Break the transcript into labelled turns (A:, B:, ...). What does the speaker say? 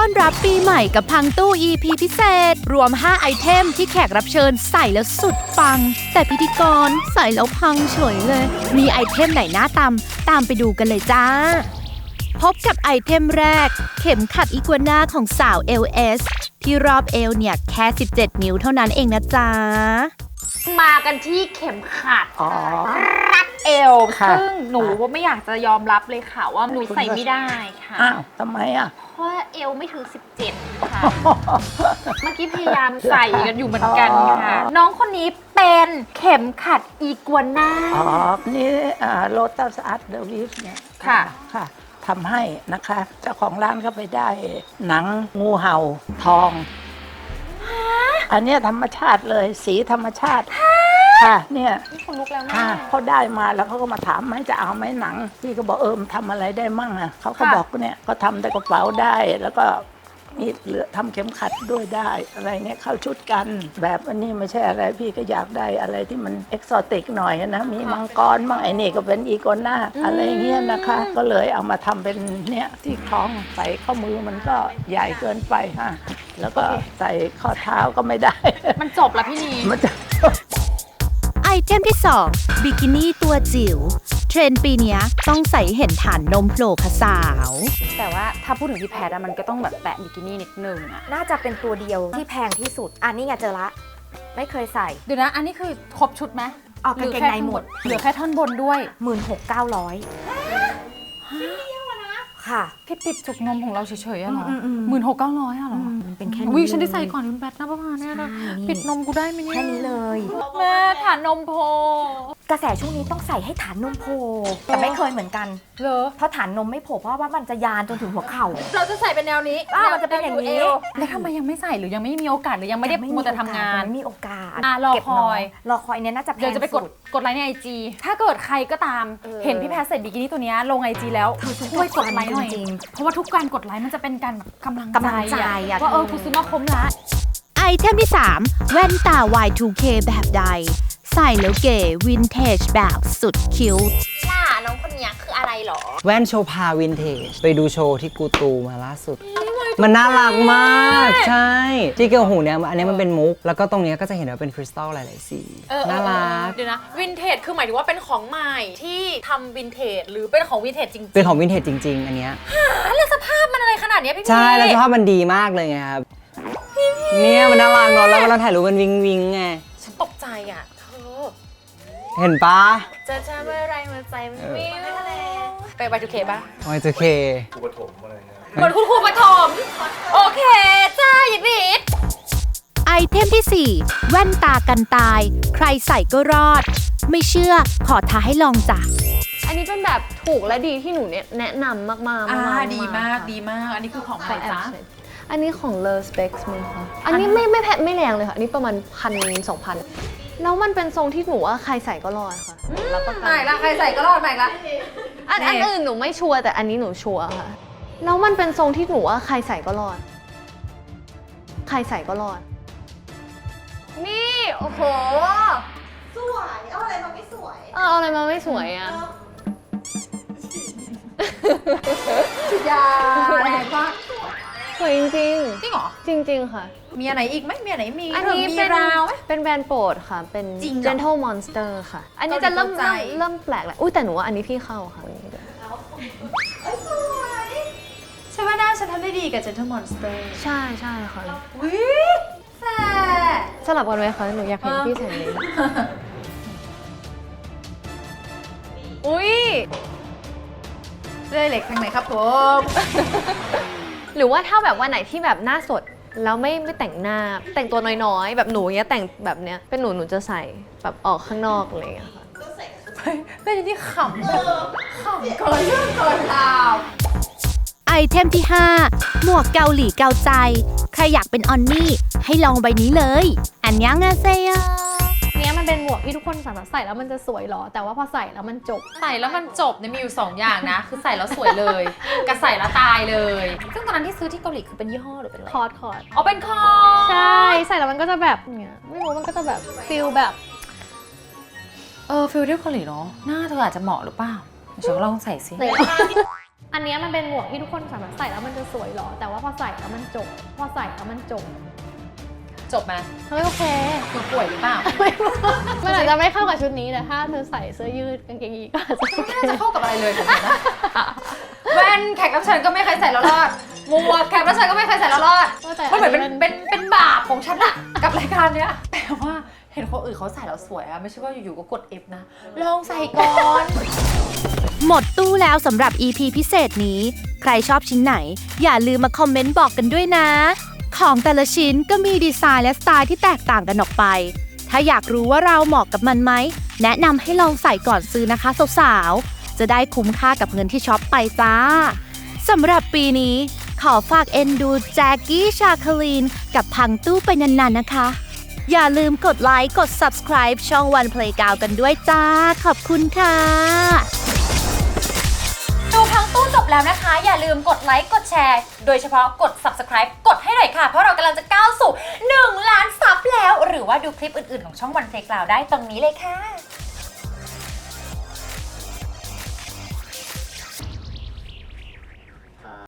A: อนรับปีใหม่กับพังตู้ EP พิเศษรวม5ไอเทมที่แขกรับเชิญใส่แล้วสุดปังแต่พิธีกรใส่แล้วพังเฉยเลยมีไอเทมไหนน่าตามไปดูกันเลยจ้าพบกับไอเทมแรกเข็มขัดอีกัวน่าของสาว LS ที่รอบเอวเนี่ยแค่17นิ้วเท่านั้นเองนะจ๊ะ
B: มากันที่เข็มขัดรัดเอวซึ่งหนูว่าไม่อยากจะยอมรับเลยค่ะว่าหนูใส่ไม่ได้ค่ะ
C: อ้าวทำไมอ่ะ
B: เพราะเอวไม่ถึง17ค่ะเมื่อกี้พยายามใส่กันอยู่เหมือนกันค่ะน้องคนนี้เป็นเข็มขัดอีกัวน่า
C: นี่โลตัสอาร์ตเดอะวิฟเนี่ยค่ะทำให้นะคะเจ้าของร้านก็ไปได้หนังงูเห่าทองอันนี้ธรรมชาติเลยสีธรรมชาติค่ะเนี่ย
B: คนลุกแล้วนะ
C: เขาได้มาแล้วเขาก็มาถามไหมจะเอาไหมหนังพี่ก็บอกทำอะไรได้มั่งอ่ะเขาก็บอกเนี่ยก็ทำแต่กระเป๋าได้แล้วก็นี่เหลือทำเข็มขัดด้วยได้อะไรเนี่ยเข้าชุดกันแบบอันนี้ไม่ใช่อะไรพี่ก็อยากได้อะไรที่มันเอกโซติกหน่อยนะมีมังกรมั่งไอ้นี่ก็เป็นอีกัวน่าอะไรเงี้ยนะคะก็เลยเอามาทำเป็นเนี่ยที่คล้องใส่ข้อมือมันก็ใหญ่เกินไปฮะแล้วก็ใส่ข้อเท้าก็ไม่ได้
B: มันจบแล้วพี่นี
C: มันจะ
A: ไอเทมที่2บิกินี่ตัวจิ๋วเทรนด์ปีนี้ต้องใส่เห็นฐานนมโผล่ค่ะสาว
B: แต่ว่าถ้าพูดถึงพี่แพทมันก็ต้องแบบแตะบิกินี่นิดนึงอะ
D: น่าจะเป็นตัวเดียวที่แพงที่สุดอันนี้ไงเจอละไม่เคยใส่
B: เดี๋ยวนะอันนี้คือครบชุดไหม
D: ออกกางเกงในหมด
B: เหลือแค่ท่อนบนด้วย
D: 16,900ค่ะ
B: พี่ปิดจุกนมของเราเฉยๆอะเหรอ16,900อะเหรอ
D: มันเป็นแค่นี้
B: วิฉันได้ใส่ก่อนคุณแพทนะประมาณนี้นะปิดนมกูได้ไหมเนี่ย
D: แค่นี้เลย
B: แม่ฐานนมโผล่
D: กระแสช่วงนี้ต้องใส่ให้ฐานนมโผล่แต่ไม่เคยเหมือนกัน
B: เหรอ
D: เพราะฐานนมไม่โผล่เพราะว่ามันจะยานจนถึงหัวเข่า
B: เราจะใส่เป็นแนวนี้
D: มันจะเป็นอย่างนี้
B: แล้วทำไมยังไม่ใส่หรือยังไม่มีโอกาสหรือยังไม่ได้มัวแต่ทำงาน
D: มีโอกาส
B: รอค
D: อยเนี่ยน่าจะแพง
B: เดี๋ยวจะไปกดไลค์ใน IG ถ้าเกิดใครก็ตามเห็นพี่แพทใส่บิกินี่ตัวนี้ลง IG แล้วช่วยกดไลค์หน่อยเพราะว่าทุกการกดไลค์มันจะเป็นการกำลังใจว่ากูซื้อมาคุ้มละ
A: ไอเทมที่3แว่นตา Y2K แบบใดใส่แล้วเก๋วินเทจแบบสุดคิ้ว
B: ล่ะน้องคนนี้คืออะไรหรอ
E: แว่นโชพาวินเทจไปดูโชว์ที่กูตูมาล่าสุดมันน่ารักมากใช่ที่เกี่ยวหูเนี่ยอันนี้มันเป็นมุกแล้วก็ตรงนี้ก็จะเห็นว่าเป็นคริสตัลหลายๆสีน่ารัก
B: เดี๋ยวนะวินเทจคือหมายถึงว่าเป็นของใหม่ที่ทำวินเทจหรือเป็นของวินเทจจริงๆ
E: เป็นของวินเทจจริงๆอันเนี้ย
B: แล้วสภาพมันอะไรขนาดนี้พี่
E: ใช่แล้วสภาพมันดีมากเลยไงครับเนี่ยมันน่ารักเนาะแล้วเราถ่ายรูปมันวิงวิงไง
B: ฉันตกใจอ่ะเธอ
E: เห็นปะ
B: จะเมื่อไรมันใจมันวิวไป Y2K ป่ะ
E: Y2K
F: ครูปฐมอะไรเงี้ย
B: เหมือนคุณครูปฐมโอเคจ้าหยิบดิด
A: ไอเทมที่4แว่นตากันตายใครใส่ก็รอดไม่เชื่อขอท้าให้ลองจ้ะ
G: อันนี้เป็นแบบถูกและดีที่หนูแนะนำมากๆ
B: ดีมากอันนี้คือของใครจ๊ะ
G: อันนี้ของ Love Specs มั้งคะอันนี้ไม่แรงเลยค่ะอันนี้ประมาณ1,000-2,000แล้วมันเป็นทรงที่หนูว่าใครใส่ก็รอดค่ะ
B: แล้วก็ใหม่ละใครใส่ก็รอดใหม่ละ
G: อันอื่นหนูไม่ชัวร์แต่อันนี้หนูชัวร์ค่ะแล้วมันเป็นทรงที่หนูว่าใครใส่ก็รอดนี่โอ้โห
D: สวยเอาอะไรมาไม่สวย
G: เอาอะไรมาไม่สวยอ่ะ
B: ยาอะไรก็
G: สวยจริง
B: จริงเหรอ
G: จริงค่ะ
B: มีอะไรอีกไหมมีอะไรมี
G: อันนี้เป็นแบรนด์โปรดค่ะเป็น Gentle Monster ค่ะอันนี้จะเริ่มแปลกแหละอุ้ยแต่หนูว่าอันนี้พี่เข้าค่ะ
B: สวยใช่ว่าหน้าฉันทำได้ดีกับ Gentle Monster
G: ใช่ค่ะ
B: วิแซ่
G: สลับกันไหมคะหนูอยากเห็นพี่ใส่นี้อุ้ย
B: เลยเหล็กทางไหนครับผม
G: หรือว่าถ้าแบบวันไหนที่แบบหน้าสดแล้วไม่แต่งหน้าแต่งตัวน้อยๆแบบหนูเนี้ยแต่งแบบเนี้ยเป็นหนูจะใส่แบบออกข้างนอกอะไรอย่างเงี้ยค่ะ
B: เป็นที่ขำเกินเรื่องเกินราว
A: ไอเทมที่5หมวกเกาหลีเกาใจใครอยากเป็นออนนี่ให้ลองใบนี้เลยอันยังอาเซโย
G: เนี้ยมันเป็นหมวกที่ทุกคนสามารถใส่แล้วมันจะสวยหรอแต่ว่าพอใส่แล้วมันจบ
B: เนี่ยมีอยู่2อย่างนะคือใส่แล้วสวยเลยกับใส่แล้วตายเลยซึ่งตอนนั้นที่ซื้อที่เกาหลีคือเป็นยี่ห้อหรือเป็นอะไร
G: คอร์ด
B: อ๋อเป็นคอร์
G: ดใช่ใส่แล้วมันก็จะแบบเนี้ยไม่รู้มันก็จะแบบฟิลแบบ
B: ฟิลที่เกาหลีเนาะหน้าเธออาจจะเหมาะหรือเปล่าฉันลองใส่สิ
G: อันเนี้ยมันเป็นหมวกที่ทุกคนสามารถใส่แล้วมันจะสวยหรอแต่ว่าพอใส่แล้วมันจบ
B: จบไหม
G: เฮ้ยโอเค
B: คือป่วยหรือเปล่า
G: มันอาจจะไม่เข้ากับชุดนี้แต่ถ้าเธอใส่เสื้อยืดกางเกงยีนก็อาจจะโอเค
B: ไม่น่าจะเข้ากับอะไรเลยผมนะแว่นแขกรับเชิญก็ไม่เคยใส่แล้วรอดหมวกแขกรับเชิญก็ไม่เคยใส่แล้วรอด
G: แต่
B: มันเหมือน
G: อั
B: เป็นบาปของฉันอะกับรายการเนี้ยแต่ว่าเห็นคนอื่นเขาใส่แล้วสวยอะไม่ใช่ว่าอยู่ๆก็กด F นะลองใส่ก่อน
A: หมดตู้แล้วสำหรับ EP พิเศษนี้ ใครชอบชิ้นไหน อย่าลืมมาคอมเมนต์บอกกันด้วยนะ ของแต่ละชิ้นก็มีดีไซน์และสไตล์ที่แตกต่างกันออกไป ถ้าอยากรู้ว่าเราเหมาะกับมันไหม แนะนำให้ลองใส่ก่อนซื้อนะคะสาวๆ จะได้คุ้มค่ากับเงินที่ช็อปไปจ้า สำหรับปีนี้ ขอฝากเอ็นดูแจ็คกี้ชาคลีนกับพังตู้ไปนานๆนะคะ อย่าลืมกดไลค์กด subscribe ช่อง One Playground กันด้วยจ้า ขอบคุณค่ะ
B: ดูพังตู้จบแล้วนะคะ อย่าลืมกดไลค์กดแชร์ โดยเฉพาะกด subscribe กดให้หน่อยค่ะ เพราะเรากำลังจะก้าวสู่ 1 ล้านซับแล้ว หรือว่าดูคลิปอื่นๆของช่อง One Playground ได้ตรงนี้เลยค่ะ